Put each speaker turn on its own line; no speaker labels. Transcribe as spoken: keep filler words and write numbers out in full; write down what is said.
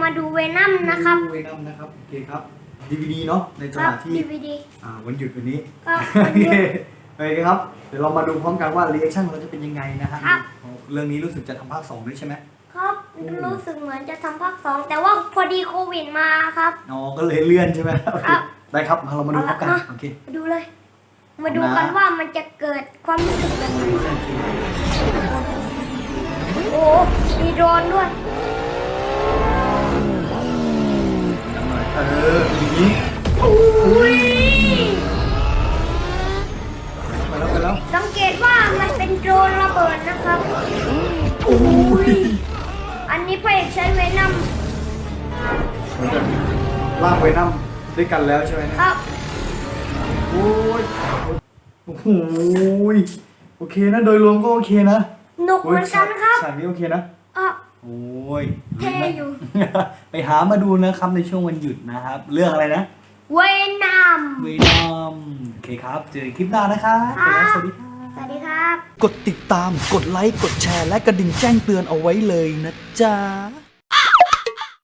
มาดูเวนัมนะครับ
เวนัมนะครับโอเคครับดีวีดีเนาะในจังหวะที่
ดี วี ดี
อ่าวันหยุดวันนี้
ครับ
โอเคโอเคครับเดี๋ยวเรามาดูพร้อมกันว่ารีแอคชั่นของเราจะเป็นยังไงนะฮะ
ครับ
เรื่องนี้รู้สึกจะทำภาคสองด้วยใช่ไหม
ครับรู้สึกเหมือนจะทำภาคสองแต่ว่าพอดีโควิดมาครับ
อ๋อก็เลยเลื่อนใช่ไหมโอเค
ครับ
ได้ครับมาเรามาดูพร้อมกัน
เอาละ
โอเค
มาดูเลย มาดูกันว่ามันจะเกิดความรู้สึกแบบไหนโอ้มีโดรนด้วย
เอออย่างนี้
อุ้ย
ไปแล้วไปแล้ว
สังเกตว่ามันเป็นโดรนระเบิดนะครับ
โอ้ย
อันนี้พระเอกใช้เวนัม
เหมือนกับล่างเวนัมด้วยกันแล้วใช่ไหมเนี่ย
ครับ
โอ้ยโอ้โหโอเคนะโดยรวมก็โอเคนะ
หนุกเหมือนกันครับ
ฉากนี้โอเคนะ
อ่ะ
โอ้ย
เท่อยู่
ไปหามาดูนะครับในช่วงวันหยุดนะครับ เรื่องอะไรนะ
เวนัม
เวนอมโอเคครับ เจอกันคลิปหน้านะครับ
ครับ
สวัสดีครับ
สวัสดีครับ
กดติดตาม กดไลค์ กดแชร์ และกระดิ่งแจ้งเตือนเอาไว้เลยนะจ๊ะ